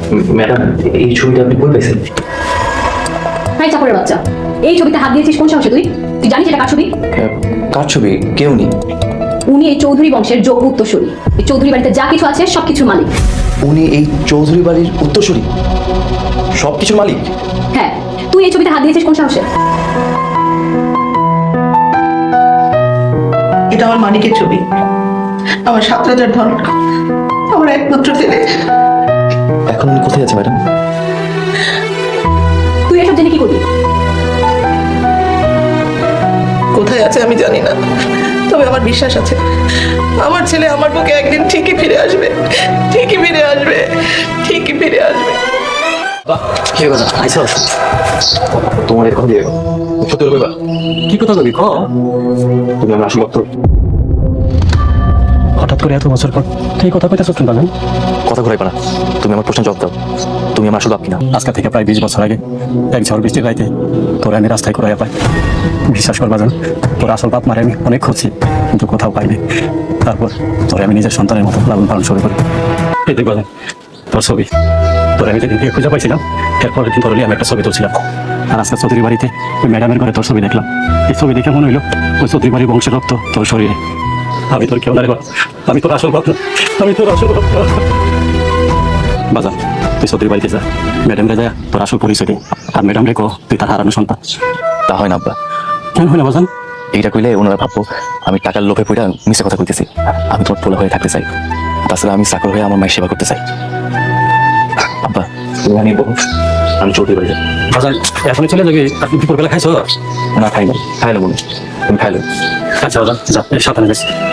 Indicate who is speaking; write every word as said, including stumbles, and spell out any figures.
Speaker 1: Madam, এই ছবিটা আপনি কই পাইছেন?
Speaker 2: হাই চাপড়ের বাচ্চা, এই ছবিতে হাত দিয়েছিস কোন সাহসে তুই? তুই জানিস এটা কার ছবি?
Speaker 1: কার ছবি? কেউ নেই।
Speaker 2: উনি এই চৌধুরী বংশের যোগ্য উত্তরসূরি। এই চৌধুরী বাড়িতে যা কিছু আছে সব কিছুর মালিক।
Speaker 1: উনি এই চৌধুরী বাড়ির উত্তরসূরি, সব কিছুর মালিক?
Speaker 2: হ্যাঁ, তুই এই ছবিতে হাত দিয়েছিস কোন সাহসে?
Speaker 3: এটা আমার মানিকের ছবি, আমার সাত রাজার ধন, আমার একমাত্র ছেলে।
Speaker 1: এখন উনি কোথায় আছে ম্যাডাম?
Speaker 2: তুই এসব জেনে কি করবি?
Speaker 3: কোথায় আছে আমি জানি না, তবে আমার বিশ্বাস আছে আমার ছেলে আমার বুকে একদিন ঠিকই ফিরে আসবে, ঠিকই ফিরে আসবে, ঠিকই ফিরে আসবে।
Speaker 1: কি কথা আইসা? তোমার এরকম দিয়ে সত্যি বলবে?
Speaker 4: কি কথা কবি ক?
Speaker 1: তুমি আমার আসল ভক্ত।
Speaker 4: হঠাৎ করে এত বছর পর তুই কথা কইতেছ কেন বাগান?
Speaker 1: কথা ঘুরাইবা না, তুমি আমার প্রশ্ন জবাব দাও। তুমি আমার আসল বাপ কিনা?
Speaker 4: আজকে থেকে প্রায় বিশ বছর আগে এক ঝড় বৃষ্টির রাইতে তোর আমি রাস্তায় করে পাই। বিশ্বাস কর বাজান, তোর আসল বাপ মারে আমি অনেক খুঁজছি কিন্তু কোথাও পাইনি। তারপর তোরে আমি নিজের সন্তানের মতো লালন পালন শুরু করি। এই দেখ বাজান, তোর ছবি। তোর আমি যেদিন খুঁজে পাইছিলাম এরপরের দিন তোর আমি একটা ছবি তুলছিলাম। আর আজকে চৌধুরী বাড়িতে ওই ম্যাডামের ঘরে তোর ছবি দেখলাম। এই ছবি দেখে মনে হইলো ওই চৌধুরী বাড়ির বংশের রক্ত তোর শরীরে। আমি তোর কেউ না রে, আমি তোর আসল ভক্ত, আমি তোর আসল ভক্ত। বাজার তুই চৌধুরী বাড়িতে যা, ম্যাডাম রে যা তোর আসল পরিচয় দে, আর ম্যাডাম রে কো তুই তার হারানো সন্তান।
Speaker 1: তা হয় না আব্বা।
Speaker 4: কেন হয় না বাজান?
Speaker 1: এইটা কইলে ওনারা ভাববো আমি টাকার লোভে পড়ে মিশে কথা কইতেছি। আমি তোমার পোলা হয়ে থাকতে চাই, তাছাড়া আমি চাকর হয়ে আমার মায়ের সেবা করতে চাই। আব্বা তুমি আনিয়ে বলো, আমি চৌধুরী বাড়ি যাই।
Speaker 4: বাজান এখনই চলে যাবি? আর তুই দুপুরবেলা খাইছ?
Speaker 1: না খাই না, খাইলে বলুন, তুমি খাইলে।
Speaker 4: আচ্ছা বাজান যা, সাবধানে যাচ্ছি।